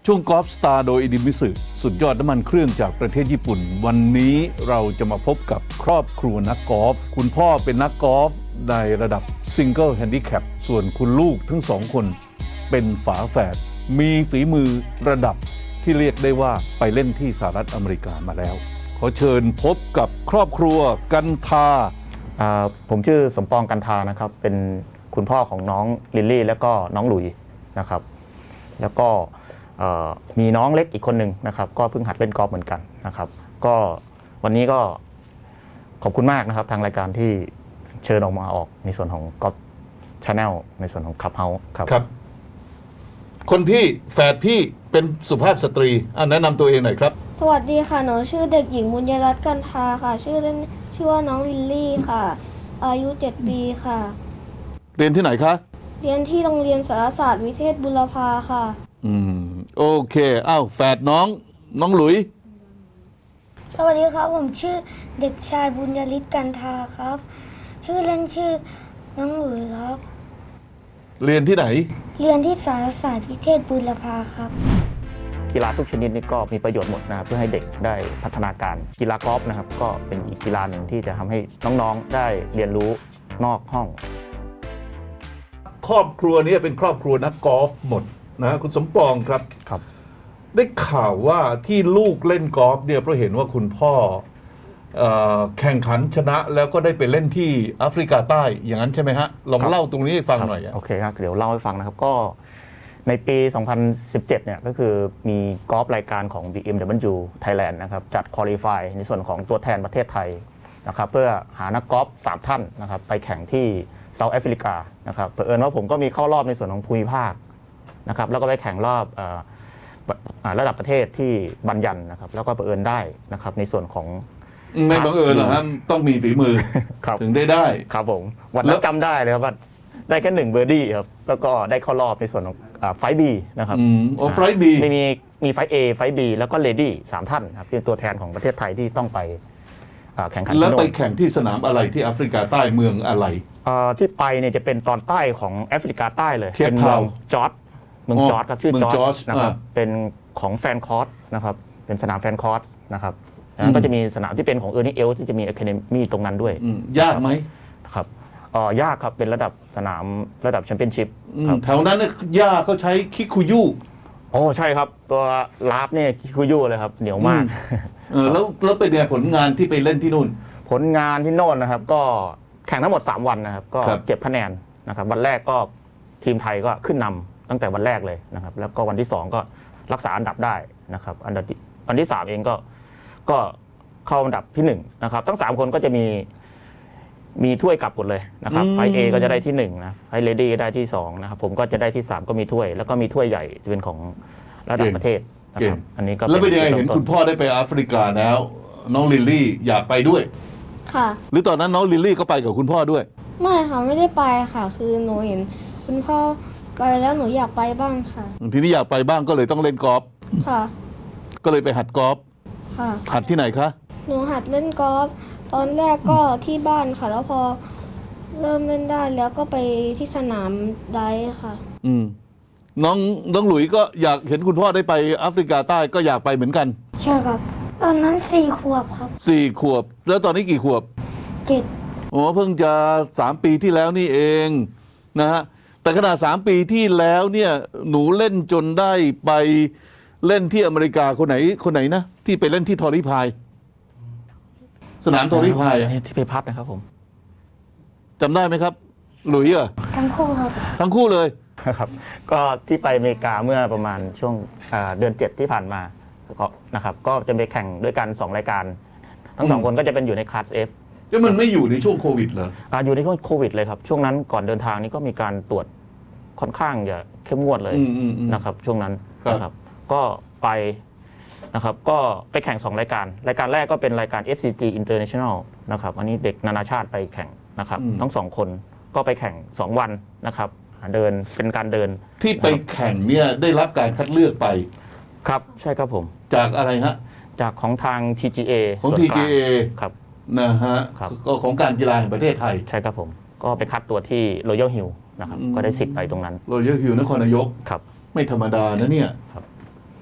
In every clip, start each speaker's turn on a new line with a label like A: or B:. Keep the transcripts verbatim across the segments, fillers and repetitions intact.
A: ช่วงกอล์ฟสตาร์โดยอิดิมิสึสุดยอดน้ำมันเครื่องจากประเทศญี่ปุ่นวันนี้เราจะมาพบกับครอบครัวนักกอล์ฟคุณพ่อเป็นนักกอล์ฟในระดับซิงเกิลแฮนดิแคปส่วนคุณลูกทั้งสองคนเป็นฝาแฝดมีฝีมือระดับที่เรียกได้ว่าไปเล่นที่สหรัฐอเมริกามาแล้วขอเชิญพบกับครอบครัวกันทา
B: ผมชื่อสมปองกันทานะครับเป็นคุณพ่อของน้องลิลลี่แล้วก็น้องหลุยนะครับแล้วก็มีน้องเล็กอีกคนหนึ่งนะครับก็เพิ่งหัดเล่นกอล์ฟเหมือนกันนะครับก็วันนี้ก็ขอบคุณมากนะครับทางรายการที่เชิญออกมาออกในส่วนของกอล์ฟชาแนลในส่วนของคลับเฮาส์ครับ
A: ครับคนพี่แฝดพี่เป็นสุภาพสตรีอ่ะแนะนำตัวเองหน่อยครับ
C: สวัสดีค่ะหนูชื่อเด็กหญิงบุญยรัตน์กันทาค่ะชื่อเล่นชื่อว่าน้องลิลลี่ค่ะอายุเจ็ดปีค่ะ
A: เรียนที่ไหนคะ
C: เรียนที่โรงเรียนสารศาสตร์วิเทศบุรพาค่ะ
A: อืมโอเคอ้าวแฝดน้องน้องหลุย
D: สวัสดีครับผมชื่อเด็กชายบุญยฤทธิ์กันทาครับชื่อเล่นชื่อน้องหลุยครับ
A: เรียนที่ไหน
D: เรียนที่สารศาสตร์วิเทศบุรพาครับ
B: กีฬาทุกชนิดนี่ก็มีประโยชน์หมดนะครับเพื่อให้เด็กได้พัฒนาการกีฬากอล์ฟนะครับก็เป็นอีกกีฬาหนึ่งที่จะทำให้น้องๆได้เรียนรู้นอกห้อง
A: ครอบครัวนี้เป็นครอบครัวนักกอล์ฟหมดนะคุณสมปองครับ
B: ครับ
A: ได้ข่าวว่าที่ลูกเล่นกอล์ฟเนี่ยเพราะเห็นว่าคุณพ่อแข่งขันชนะแล้วก็ได้ไปเล่นที่แอฟริกาใต้อย่างนั้นใช่ไหมฮะลองเล่าตรงนี้ให้ฟังหน่อย
B: โอเคครับเดี๋ยวเล่าให้ฟังนะครับก็ในปี สองพันสิบเจ็ด เนี่ยก็คือมีกอล์ฟรายการของ บี เอ็ม ดับเบิลยู Thailand นะครับจัดควอลิฟายในส่วนของตัวแทนประเทศไทยนะครับเพื่อหานักกอล์ฟสามท่านนะครับไปแข่งที่เซาท์แอฟริกานะครับเผอิญว่าผมก็มีเข้ารอบในส่วนของภูมิภาคนะครับแล้วก็ไปแข่งรอบระดับประเทศที่บัญญันนะครับแล้วก็เผอิญได้นะครับในส่วนของ
A: ไม่บังเอิญหรอกครับต้องมีฝีมือถึงได้ได้
B: ครับผมวันนั้นจำได้เลยครับว่าได้แค่หนึ่งเบอร์ดี้ครับแล้วก็ได้เข้ารอบในส่วนของไฟบีนะครับ
A: อ๋อไฟบี
B: ไม่มีมีไฟเอไฟบีแล้วก็เลดี้สามท่านครับเป็นตัวแทนของประเทศไทยที่ต้องไปแข่งขัน
A: แล้วไปแข่งที่สนามอะไรที่แอฟริกาใต้เมืองอะไร
B: ที่ไปเนี่ยจะเป็นตอนใต้ของแอฟริกาใต้เลย
A: เป็น
B: เมืองจอร์จเมืองจอร์จครับชื่อจอร์จนะครับเป็นของแฟนคอร์สนะครับเป็นสนามแฟนคอร์สนะครับแล้วก็จะมีสนามที่เป็นของเออร์นี่เอลที่จะมีอะคาเดมี่ตรงนั้นด้วย
A: ยากไหม
B: ครับอ๋อยากครับเป็นระดับสนามระดับแชมเปี้ยนชิพ
A: แถวนั้นเนี่ยยากเขาใช้คิคุยุ
B: โอ้ใช่ครับตัวลาฟเนี่ยคิคุยุเลยครับเหนียวมาก
A: เออแล้วแล้วเป็นไงผลงานที่ไปเล่นที่นู่น
B: ผลงานที่โน่นนะครับก็แข่งทั้งหมดสามวันนะครับก็เก็บคะแนนนะครับวันแรกก็ทีมไทยก็ขึ้นนำตั้งแต่วันแรกเลยนะครับแล้วก็วันที่สองก็รักษาอันดับได้นะครับอันดับวันที่สามเองก็ก็เข้าอันดับที่หนึ่งนะครับทั้งสามคนก็จะมีมีถ้วยกลับหมดเลยนะครับไฟเอก็จะได้ที่หนึ่งนะไฟเลดี้ก็ได้ที่สองนะครับผมก็จะได้ที่สามก็มีถ้วยแล้วก็มีถ้วยใหญ่จะเป็นของระดับประเทศนะครับอันนี้ก็
A: แล้วเป็นยังไงเห็นคุณพ่อได้ไปแอฟริกาแล้วน้องลิลลี่อยากไปด้วย
C: ค่ะ
A: หรือตอนนั้นน้องลิลลี่ก็ไปกับคุณพ่อด้วย
C: ไม่ค่ะไม่ได้ไปค่ะคือหนูเห็นคุณพ่อไปแล้วหนูอยากไปบ้างค่ะ
A: ทีนี้อยากไปบ้างก็เลยต้องเล่นกอล์ฟ
C: ค่ะ
A: ก็เลยไปหัดกอล์ฟ
C: ค่ะ
A: หัดที่ไหนคะ
C: หนูหัดเล่นกอล์ฟตอนแรกก็ที่บ้านค่ะแล้วพอเริ่มเล่นได้แล้วก็ไปที่สนามไดฟ์ค่ะ
A: อืมน้องน้องหลุยก็อยากเห็นคุณพ่อได้ไปแอฟริกาใต้ก็อยากไปเหมือนกัน
D: ใช่ครับตอนนั้นสี่ขวบครับ
A: สี่ขวบแล้วตอนนี้กี่ขวบ
D: เจ็ด
A: โอ้เพิ่งจะสามปีที่แล้วนี่เองนะฮะแต่ขนาดสามปีที่แล้วเนี่ยหนูเล่นจนได้ไปเล่นที่อเมริกาคนไหนคนไหนนะที่ไปเล่นที่ทอริพายสนามทอริพาย
B: ที่ไปพัดนะครับผม
A: จำได้ไหมครับหลุยอ่ะ
D: ทั้งคู่ครับ
A: ทั้งคู่เลย
B: ครับก็ที่ไปอเมริกาเมื่อประมาณช่วงเดือนเจ็ดที่ผ่านมาก็นะครับก็จะไปแข่งด้วยกันสองรายการทั้งสองคนก็จะเป็นอยู่ในคลาส F
A: แล้วมันไม่อยู่ในช่วงโควิดเหรอ
B: อ่าอยู่ในช่วงโควิดเลยครับช่วงนั้นก่อนเดินทางนี้ก็มีการตรวจค่อนข้างจะเข้มงวดเลยนะครับช่วงนั้นนะครับก็ไปนะครับก็ไปแข่งสองรายการรายการแรกก็เป็นรายการ เอฟ ซี จี International นะครับอันนี้เด็กนานาชาติไปแข่งนะครับทั้งสองคนก็ไปแข่งสองวันนะครับเดินเป็นการเดิน
A: ที่ไปแข่งเนี่ยได้รับการคัดเลือกไป
B: ครับใช่ครับผม
A: จากอะไรฮะ
B: จากของทาง ที จี เอ
A: ของ ที จี เอ
B: ครับ
A: นะฮะก็ของการกีฬาแห่งประเทศไทย
B: ใช่ครับผมก็ไปคัดตัวที่ Royal Hill นะครับก็ได้สิทธิ์ไปตรงนั้น
A: Royal Hill นครนายก
B: ครับ
A: ไม่ธรรมดานะเนี่ย
B: ครับ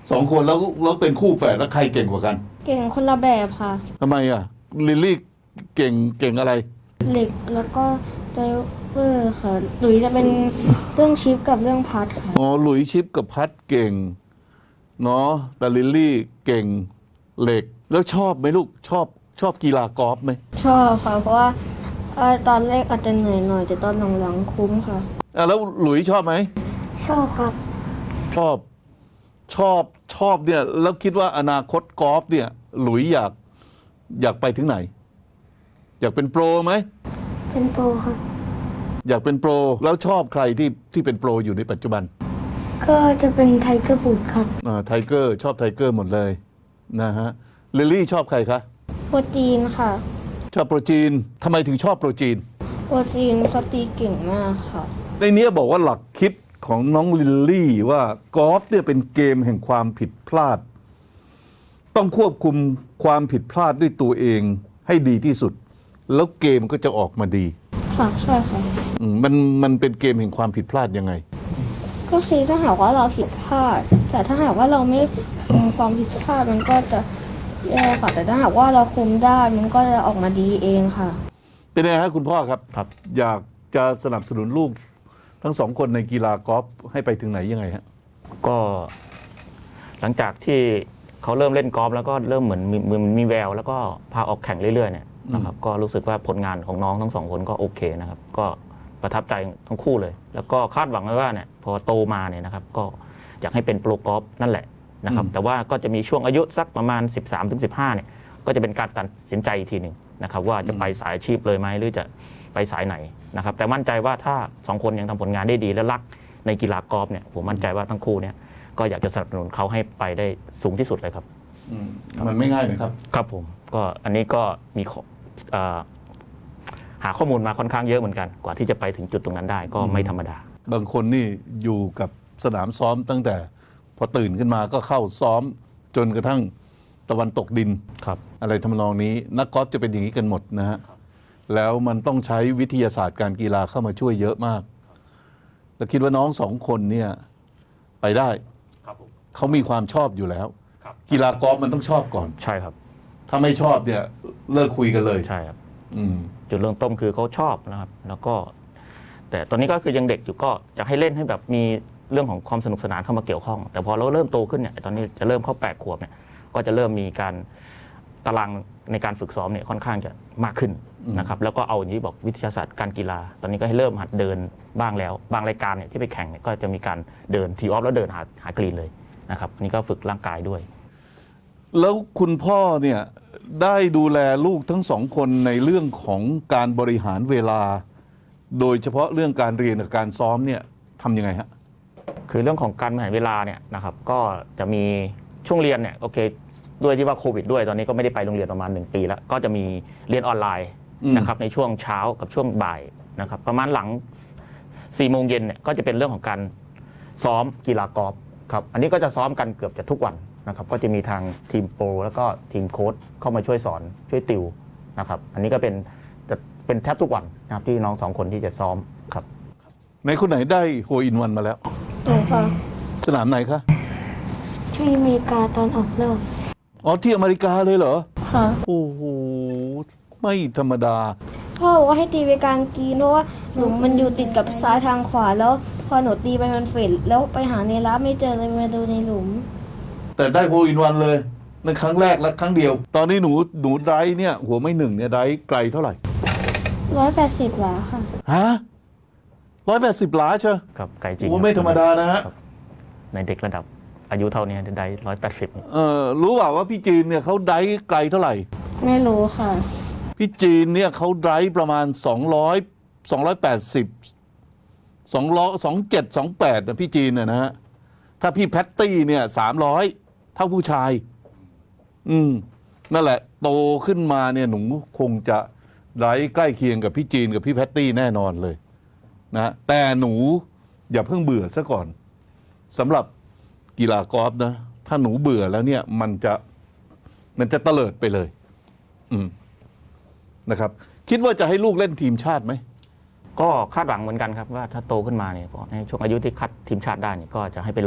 A: สองคนแล้วแล้วเป็นคู่แฝดแล้วใครเก่งกว่ากัน
C: เก่งคนละแบบค่ะ
A: ทำไมอ่ะลิลลี่เก่งเก่งอะไร
C: เหล็กแล้วก็ไดเวอร์ค่ะหรือจะเป็นเรื่องชิปกับเรื่องพัดค่ะ
A: อ๋อหลุยส์ชิปกับพัดเก่งเนาะแต่ลิลลี่เก่งเหล็ก แล้วชอบไหมลูกชอบชอบกีฬากอล์ฟไหม
C: ชอบค่ะเพราะว่าเอ่อตอนแรกอาจจะเหนื่อยหน่อยแต่ตอนหลังๆคุ้มค่ะ
A: อ่ะแล้วหลุยส์ชอบไหม
D: ชอบครับ
A: ชอบชอบชอบเนี่ยแล้วคิดว่าอนาคตกอล์ฟเนี่ยหลุยส์อยากอยากไปถึงไหน อยากเป็นโปรไหม
D: เป็นโปรครับ
A: อยากเป็นโปรแล้วชอบใครที่ที่เป็นโปรอยู่ในปัจจุบัน
D: ก็จะเป็นไทเกอร์บูดครับ
A: อ่าไทเกอร์ชอบไทเกอร์หมดเลยนะฮะลิลลี่ชอบใครคะ
C: โปรตีนค่ะ
A: ชอบโปรจีนทำไมถึงชอบโปรจีน
C: โปรตีนเขาตีเก่งมากค่ะ
A: ในนี้บอกว่าหลักคิดของน้องลิลลี่ว่ากอล์ฟเนี่ยเป็นเกมแห่งความผิดพลาด ต้องควบคุมความผิดพลาดด้วยตัวเองให้ดีที่สุด แล้วเกมก็จะออกมาดี
C: ค่ะใช่ค่ะ
A: อืมมันมันเป็นเกมแห่งความผิดพลาดยังไง
C: ก็คือถ้าหากว่าเราผิดพลาด แต่ถ้าหากว่าเราไม่คุมความผิดพลาดมันก็จะแย่ค่ะ แต่ถ้าหากว่าเราคุมได้มันก็จะออกมาดีเองค่ะ
A: เป็นไงฮะคุณพ่อครับ
B: ครับ
A: อยากจะสนับสนุนลูกทั้งสองคนในกีฬากอล์ฟให้ไปถึงไหนยังไงฮะ
B: ก็หลังจากที่เขาเริ่มเล่นกอล์ฟแล้วก็เริ่มเหมือนมีมีมีแววแล้วก็พาออกแข่งเรื่อยๆเนี่ยนะครับก็รู้สึกว่าผลงานของน้องทั้งสองคนก็โอเคนะครับ ก็ประทับใจทั้งคู่เลย แล้วก็คาดหวังไว้ว่าเนี่ยพอโตมาเนี่ยนะครับก็อยากให้เป็นโปรกอล์ฟนั่นแหละนะครับ
A: อืม
B: แต่ว่าก็จะมีช่วงอายุสักประมาณ สิบสามถึงสิบห้า เนี่ยก็จะเป็นการตัดสินใจอีกทีหนึ่งนะครับว่าจะไปสายอาชีพเลยไหมหรือจะไปสายไหนนะครับแต่มั่นใจว่าถ้าสองคนยังทำผลงานได้ดีและรักในกีฬากอล์ฟเนี่ยผมมั่นใจว่าทั้งคู่เนี่ยก็อยากจะสนับสนุนเขาให้ไปได้สูงที่สุดเลยครับ
A: อืมมันไม่ง่ายนะครับ
B: ครับผมก็อันนี้ก็มีข้อเอ่อหาข้อมูลมาค่อนข้างเยอะเหมือนกัน กว่าที่จะไปถึงจุดตรงนั้นได้ก็ไม่ธรรมดา
A: บางคนนี่อยู่กับสนามซ้อมตั้งแต่พอตื่นขึ้นมาก็เข้าซ้อมจนกระทั่งตะวันตกดิน
B: ครับ
A: อะไรทำนองนี้ นักกอล์ฟจะเป็นอย่างนี้กันหมดนะฮะแล้วมันต้องใช้วิทยาศาสตร์การกีฬาเข้ามาช่วยเยอะมาก แล้วคิดว่าน้องสองคนเนี่ยไปได้
B: ครับผม
A: เขามีความชอบอยู่แล้ว
B: ครับ
A: กีฬากอล์ฟมันต้องชอบก่อน
B: ใช่ครับ
A: ถ้าไม่ชอบเนี่ยเลิกคุยกันเลย
B: ใช่ครับ
A: อืม
B: จุดเริ่มต้นคือเขาชอบนะครับ แล้วก็ แต่ตอนนี้ก็คือยังเด็กอยู่ก็จะให้เล่นให้แบบมีเรื่องของความสนุกสนานเข้ามาเกี่ยวข้อง แต่พอเราเริ่มโตขึ้นเนี่ยตอนนี้จะเริ่มเข้าแปดขวบเนี่ยก็จะเริ่มมีการตารางในการฝึกซ้อมเนี่ยค่อนข้างจะมากขึ้นนะครับแล้วก็เอาอย่างที่บอกวิทยาศาสตร์การกีฬา ตอนนี้ก็ให้เริ่มหัดเดินบ้างแล้ว บางรายการเนี่ยที่ไปแข่งเนี่ยก็จะมีการเดินทีออฟแล้วเดินหาหากรีนเลยนะครับอันนี้ก็ฝึกร่างกายด้วย
A: แล้วคุณพ่อเนี่ยได้ดูแลลูกทั้งสองคนในเรื่องของการบริหารเวลา โดยเฉพาะเรื่องการเรียนกับการซ้อมเนี่ยทำยังไงฮะ
B: คือเรื่องของการบริหารเวลาเนี่ยนะครับก็จะมีช่วงเรียนเนี่ยโอเคด้วยที่ว่าโควิดด้วยตอนนี้ก็ไม่ได้ไปโรงเรียนประมาณหนึ่งปีแล้วก็จะมีเรียนออนไลน์
A: อืม
B: นะครับในช่วงเช้ากับช่วงบ่ายนะครับประมาณหลังสี่โมงเย็นเนี่ยก็จะเป็นเรื่องของการซ้อมกีฬากอล์ฟครับอันนี้ก็จะซ้อมกันเกือบจะทุกวันนะครับก็จะมีทางทีมโปรแล้วก็ทีมโค้ชเข้ามาช่วยสอนช่วยติวนะครับอันนี้ก็เป็นจะเป็นแทบทุกวันนะครับที่น้องสองคนที่จะซ้อมครับ
A: ในคนไหนได้โฮอินวันมาแล้ว
C: หนูค่ะ
A: สนามไหนคะ
D: ที่อเมริกาตอนออกรอบ
A: อ๋อที่อเมริกาเลยเหรอ
C: ค่ะ
A: โอ้โหไม่ธรรมดา
C: พ่อบอกว่าให้ตีไปกลางกรีนเพราะว่าหนูมันอยู่ติดกับซ้ายทางขวาแล้ว พอหนูตีไปมันเฟดแล้วไปหาในรับไม่เจอเลยมาดูในหลุม
A: แต่ได้โฮอินวันเลยนั่นครั้งแรกและครั้งเดียว ตอนนี้หนูหนูไดรฟ์เนี่ยหัวไม่หนึ่งเนี่ยไดรฟ์ไกลเท่าไหร่
C: ร้อยแปดสิบหลาค่ะ
A: ฮะร้อยแปดสิบหลาเชียว
B: ครับไกลจริง
A: โอ้ไม่ธรรมดานะฮะ
B: ครับในเด็กระดับอายุเท่านี้ได้ร้อยแปดสิบ
A: เออรู้เปล่าว่าพี่จีนเนี่ยเขาไดรฟ์ไกลเท่าไหร่
C: ไม่รู้ค่ะ
A: พี่จีนเนี่ยเขาไดรฟ์ประมาณสองร้อยสองร้อยแปดสิบสองร้อยสองเจ็ดสองแปดนะพี่จีนน่ะนะฮะถ้าพี่แพตตี้เนี่ยสามร้อยเท่าผู้ชาย อืมนั่นแหละ โตขึ้นมาเนี่ยหนูคงจะไดรฟ์ใกล้เคียงกับพี่จีนกับพี่แพตตี้แน่นอนเลยนะแต่หนูอย่าเพิ่งเบื่อซะก่อนสำหรับกีฬากอล์ฟนะ ถ้าหนูเบื่อแล้วเนี่ย มันจะมันจะเตลิดไปเลย อืมนะครับ คิดว่าจะให้ลูกเล่นทีมชาติไหม
B: ก็คาดหวังเหมือนกันครับว่าถ้าโตขึ้นมาเนี่ยก็ในช่วงอายุที่คัดทีมชาติได้เนี่ยก็จะให้ไปลอง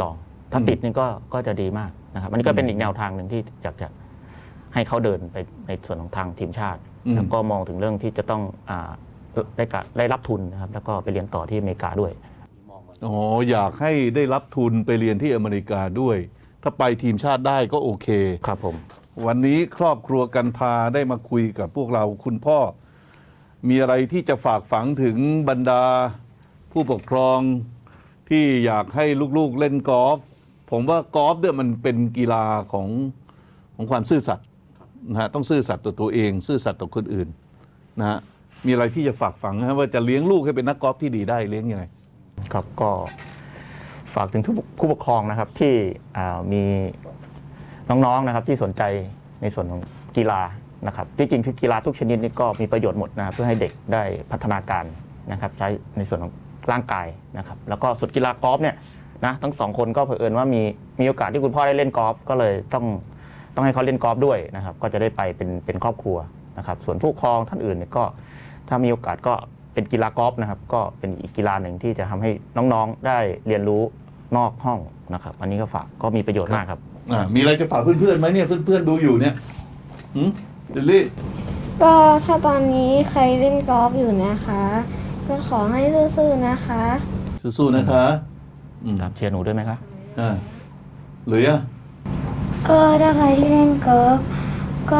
B: ถ้า
A: อืม
B: ติดนี่ก็ก็จะดีมากนะครับ อันนี้ก็เป็นอีกแนวทางหนึ่งที่อยากจะให้เขาเดินไปในส่วนของทางทีมชาติ
A: อืม
B: แล้วก็มองถึงเรื่องที่จะต้องอ่าได้กะได้รับทุนนะครับ แล้วก็ไปเรียนต่อที่อเมริกาด้วย
A: อ๋ออยากให้ได้รับทุนไปเรียนที่อเมริกาด้วย ถ้าไปทีมชาติได้ก็โอเค
B: ครับผม
A: วันนี้ครอบครัวกันพาได้มาคุยกับพวกเราคุณพ่อ มีอะไรที่จะฝากฝังถึงบรรดาผู้ปกครองที่อยากให้ลูกๆเล่นกอล์ฟผมว่ากอล์ฟเนี่ยมันเป็นกีฬาของของความซื่อสัตย์นะฮะต้องซื่อสัตย์ต่อตัวเอง ซื่อสัตย์ต่อคนอื่นนะฮะมีอะไรที่จะฝากฝังนะฮะว่าจะเลี้ยงลูกให้เป็นนักกอล์ฟที่ดีได้เลี้ยงยังไง
B: ครับก็ฝากถึงทุกผู้ปกครองนะครับที่อ่ามีน้องๆนะครับที่สนใจในส่วนของกีฬานะครับที่จริงคือกีฬาทุกชนิดนี่ก็มีประโยชน์หมดนะครับเพื่อให้เด็กได้พัฒนาการนะครับใช้ในส่วนของร่างกายนะครับแล้วก็ส่วนกีฬากอล์ฟเนี่ยนะทั้งสองคนก็เผอิญว่ามีมีโอกาสที่คุณพ่อได้เล่นกอล์ฟก็เลยต้องต้องให้เขาเล่นกอล์ฟด้วยนะครับก็จะได้ไปเป็นเป็นครอบครัวนะครับส่วนผู้ปกครองท่านอื่นเนี่ยก็ถ้ามีโอกาสก็เป็นกีฬากอล์ฟนะครับก็เป็นอีกกีฬาหนึ่งที่จะทำให้น้องๆได้เรียนรู้นอกห้องนะครับอันนี้ก็ฝากก็มีประโยชน์มากครับ
A: อ่ามีอะไรจะฝากเพื่อนๆไหมเนี่ยเพื่อนๆดูอยู่เนี่ยหืมลิลลี่
C: ก็ถ้าตอนนี้ใครเล่นกอล์ฟอยู่นะคะก็ขอให้ซื่อๆนะคะ
A: สู้ๆนะคะอืม
B: ครับเชียร์หนูด้วยไหมครับ
A: อ่าหรืออ่ะ
D: ก็ถ้าใครที่เล่นกอล์ฟก็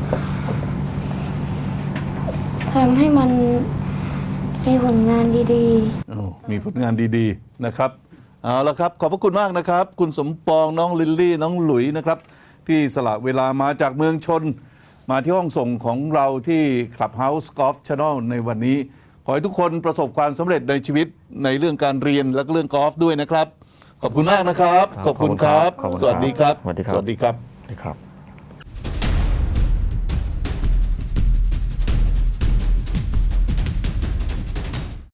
D: ทำให้มันมีผลงานดี
A: โอ้มีผลงานดีๆนะครับเอาละครับขอบพระคุณมากนะครับ คุณสมปองน้องลิลลี่น้องหลุยนะครับ ที่สละเวลามาจากเมืองชน มาที่ห้องส่งของเราที่ Clubhouse Golf Channel ในวันนี้ ขอให้ทุกคนประสบความสำเร็จในชีวิตในเรื่องการเรียนและก็เรื่องกอล์ฟด้วยนะครับ ขอบคุณมากนะครับ
B: ครับ
A: ขอบคุณครับ
B: ขอบคุณครับ
A: สวัสดีครับ
B: สวัสดีครับ
A: สวัสดีครับ
B: ๆครับ